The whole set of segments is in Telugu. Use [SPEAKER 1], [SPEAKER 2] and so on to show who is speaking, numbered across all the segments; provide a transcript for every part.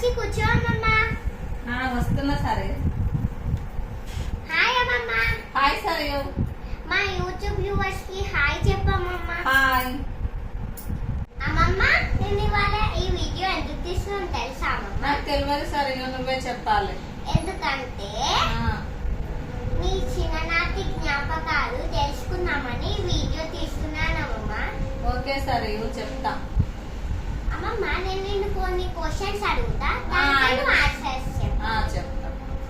[SPEAKER 1] వచ్చి కూర్చో అమ్మమ్మ.
[SPEAKER 2] వస్తున్నా సరే.
[SPEAKER 1] హాయ్ అమ్మమ్మ.
[SPEAKER 2] హాయ్ సరే.
[SPEAKER 1] మా యూట్యూబ్ వ్యూవర్స్ కి హాయ్ చెప్పమ్మమ్మ.
[SPEAKER 2] హాయ్
[SPEAKER 1] అమ్మమ్మ. నేను ఇవాళ ఈ వీడియో ఎందుకు తీస్తున్నాను తెలుసా అమ్మమ్మ?
[SPEAKER 2] నాకు తెలియదు సరే, నువ్వే చెప్పాలి.
[SPEAKER 1] ఎందుకంటే మీ చిన్ననాటి జ్ఞాపకాలు తెలుసుకుందామని వీడియో తీస్తున్నాను అమ్మమ్మ.
[SPEAKER 2] ఓకే సరే, చెప్తా.
[SPEAKER 1] అమ్మమ్మ, నేను నిన్ను కొన్ని క్వశ్చన్స్ అడుగుతా, దానికి ఆన్సర్స్
[SPEAKER 2] చెప్తా.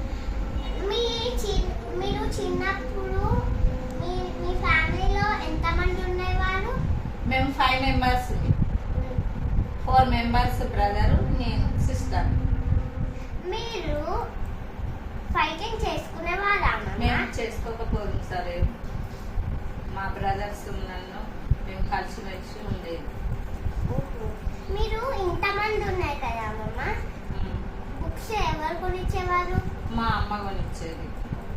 [SPEAKER 1] మీరు చిన్నప్పుడు మీ ఫ్యామిలీలో ఎంతమంది ఉండేవారు?
[SPEAKER 2] మేము 5 మెంబర్స్. 4 మెంబర్స్, బ్రదరు, నేను, సిస్టర్.
[SPEAKER 1] మీరు ఫైటింగ్ చేసుకునేవారా?
[SPEAKER 2] మేము చేసుకోకపోదు సరే. మా బ్రదర్స్ నన్ను మేము కలిసిమెలిసి ఉండేది.
[SPEAKER 1] మీరు ఇంతమంది ఉన్నాయి కదా అమ్మమ్మ, బుక్స్ ఎవరు కొనిచ్చేవారు?
[SPEAKER 2] మా అమ్మ కొనిచ్చేది.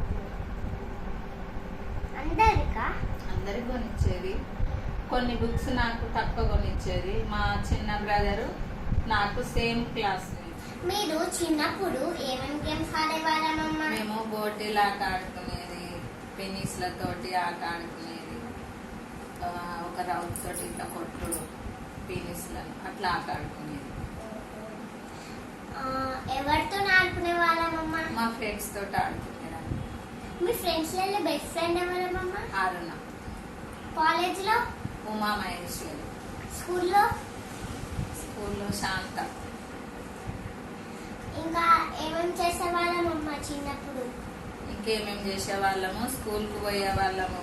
[SPEAKER 2] అందరికి కొనిచ్చేది. కొన్ని బుక్స్ నాకు తక్కువ కొనిచ్చేది. మా చిన్న బ్రదరు నాకు సేమ్ క్లాస్.
[SPEAKER 1] మీరు చిన్నప్పుడు ఏమేమి గేమ్స్ ఆడేవారమ్మమ్మ?
[SPEAKER 2] మేము బోటీలు ఆట ఆడుకునేది, పెనీస్లతోటి ఆట ఆడుకునేది, ఒక రౌండ్ తోటి ఇట్లా కొట్టుడు, పెనీస్లను అట్లా ఆట ఆడుకునేది.
[SPEAKER 1] ఎవరితో ఆడుకునే వాళ్ళమమ్మ?
[SPEAKER 2] మా ఫ్రెండ్స్ తోటి ఆడుకునేదాన్ని.
[SPEAKER 1] మీ ఫ్రెండ్స్ లలో బెస్ట్ ఫ్రెండ్ ఎవరమ్మమ్మ?
[SPEAKER 2] అరుణ.
[SPEAKER 1] కాలేజ్ లో?
[SPEAKER 2] ఉమా మహేశ్వరి.
[SPEAKER 1] స్కూల్లో?
[SPEAKER 2] స్కూల్లో శాంత.
[SPEAKER 1] ఇంకా ఏమేమి చేసేవాళ్ళమమ్మ చిన్నప్పుడు?
[SPEAKER 2] ఇంకేమేమి చేసేవాళ్ళము, స్కూల్కి పోయే వాళ్ళము.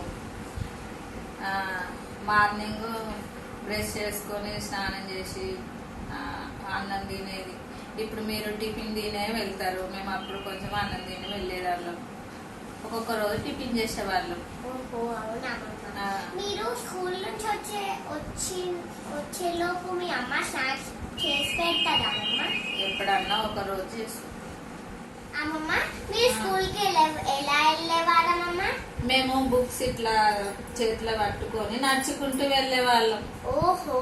[SPEAKER 2] మార్నింగ్ బ్రష్ చేసుకొని స్నానం చేసి అన్నం తినేది. ఇప్పుడు మీరు టిఫిన్ తినే వెళ్తారు, మేము అప్పుడు కొంచెం అన్నం తిని వెళ్ళేవాళ్ళం. ఒక్కొక్క రోజు టిఫిన్ చేసేవాళ్ళం.
[SPEAKER 1] ఓహో, అవునా. మీరు స్కూల్ నుంచి వచ్చేలోపు మీ అమ్మ స్నాక్స్ చేసి పెడతారా అమ్మమ్మ?
[SPEAKER 2] ఎప్పుడన్నా ఒక రోజు చేస్తాం.
[SPEAKER 1] అమ్మమ్మ, మీరు స్కూల్ కి ఎలా వెళ్ళేవాళ్ళమమ్మ?
[SPEAKER 2] మేము బుక్స్ ఇట్లా చేతిలో పట్టుకొని నడుచుకుంటూ వెళ్ళే వాళ్ళం.
[SPEAKER 1] ఓహో,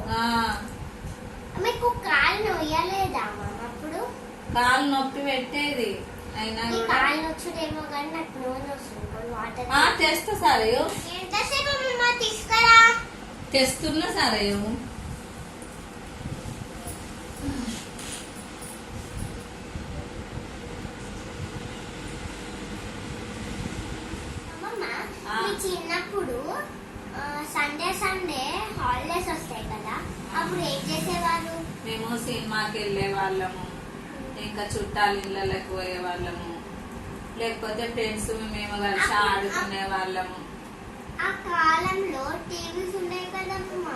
[SPEAKER 1] మీకు కాలు నొయ్యలేదా అమ్మమ్మ అప్పుడు?
[SPEAKER 2] కాలు నొప్పి పెట్టేది. అయినా
[SPEAKER 1] కాలు నొచ్చుడేమో కానీ నాకు నోరు వస్తుంది.
[SPEAKER 2] తెస్తా సరే.
[SPEAKER 1] ఎంతసేపు అమ్మమ్మ తీసుకురా?
[SPEAKER 2] తెస్తున్నా సరే.
[SPEAKER 1] చిన్నప్పుడు సండే హాలిడేస్ వస్తాయి కదా, అప్పుడు ఏం చేసేవారు?
[SPEAKER 2] మేము సినిమాకి వెళ్ళే వాళ్ళము, ఇంకా చుట్టాల ఇళ్ళకి పోయే వాళ్ళము, లేకపోతే ఫ్రెండ్స్ మేము కలిసి ఆడుకునే వాళ్ళము.
[SPEAKER 1] ఆ కాలంలో టీవీస్ ఉన్నాయి కదమ్మా?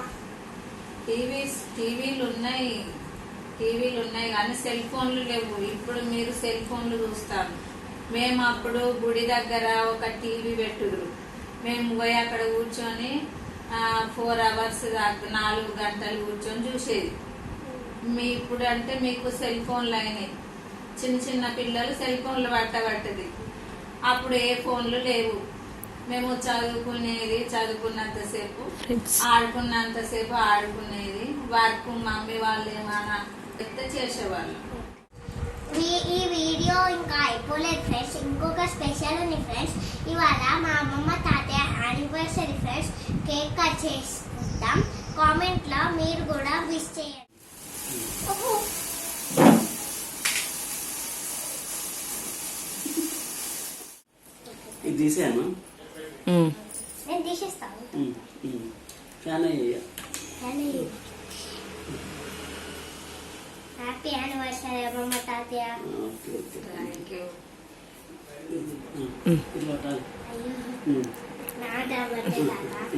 [SPEAKER 2] టీవీలు ఉన్నాయి కానీ సెల్ ఫోన్లు లేవు. ఇప్పుడు మీరు సెల్ ఫోన్లు చూస్తారు. మేము అప్పుడు గుడి దగ్గర ఒక టీవీ పెట్టుదురు, మేము పోయి అక్కడ కూర్చొని 4 hours దాకా 4 గంటలు కూర్చొని చూసేది. ఇప్పుడు అంటే మీకు సెల్ ఫోన్లు అయినాయి. చిన్న పిల్లలు సెల్ ఫోన్లు పట్టది. అప్పుడు ఏ ఫోన్లు లేవు. మేము చదువుకున్నంతసేపు ఆడుకున్నంతసేపు ఆడుకునేది. వర్క్ మమ్మీ వాళ్ళు ఏమైనా చెప్తే చేసేవాళ్ళు.
[SPEAKER 1] ఈ వీడియో ఇంకా అయిపోలేదు ఫ్రెండ్స్, ఇంకొక స్పెషల్ ఉంది ఫ్రెండ్స్. ఇవాళ మా అమ్మమ్మ తాతయ్య యానివర్సరీ ఫ్రెండ్స్. కేక్ కట్ చేసుకుంటాం. కామెంట్ లో మీరు కూడా విష్ చేయండి.
[SPEAKER 3] ఇది తీసాను,
[SPEAKER 1] నేను తీసేస్తాను. హ్యాపీ యానివర్సరీ అమ్మమ్మ తాతయ్య. నాట బర్త్డే తాత.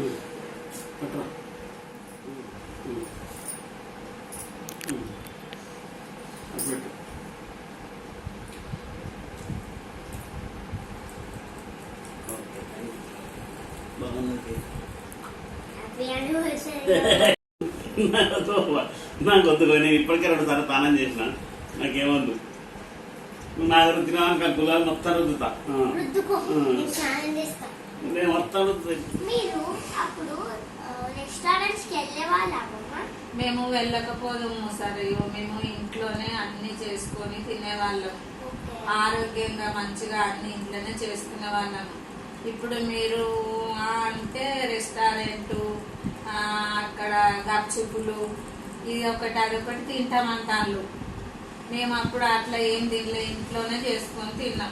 [SPEAKER 1] Happy anniversary.
[SPEAKER 3] నాకు వద్దు, నేను ఇప్పటికే 2 సార్లు స్నానం చేసిన, నాకేమొద్దు. నా దగ్గర తినాలని గులాలు మొత్తం రుద్దుతా.
[SPEAKER 1] నేను మొత్తం రుద్దుతా. మీరు అప్పుడు రెస్టారెంట్స్ కి వెళ్ళే వాళ్ళ
[SPEAKER 2] మేము వెళ్ళకపోదాము సరే, మేము ఇంట్లోనే అన్ని చేసుకొని తినేవాళ్ళం. ఆరోగ్యంగా మంచిగా అన్ని ఇంట్లోనే చేసుకునే వాళ్ళం. ఇప్పుడు మీరు అంటే రెస్టారెంట్, అక్కడ గప్చుపులు, ఇది ఒకటి అదొకటి తింటామంటాళ్ళు. మేము అప్పుడు అట్లా ఏం తినలే, ఇంట్లోనే చేసుకొని తిన్నాం.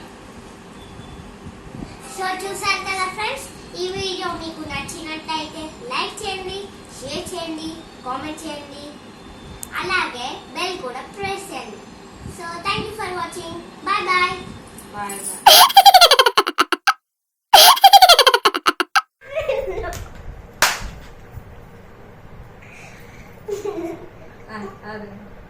[SPEAKER 1] సో చూసారు కదా ఫ్రెండ్స్, ఈ వీడియో మీకు నచ్చినట్టయితే లైక్ చేయండి, షేర్ చేయండి, కామెంట్ చేయండి, అలాగే బెల్ కూడా ప్రెస్ చేయండి. So thank you for watching. Bye bye.
[SPEAKER 2] Bye bye. అదే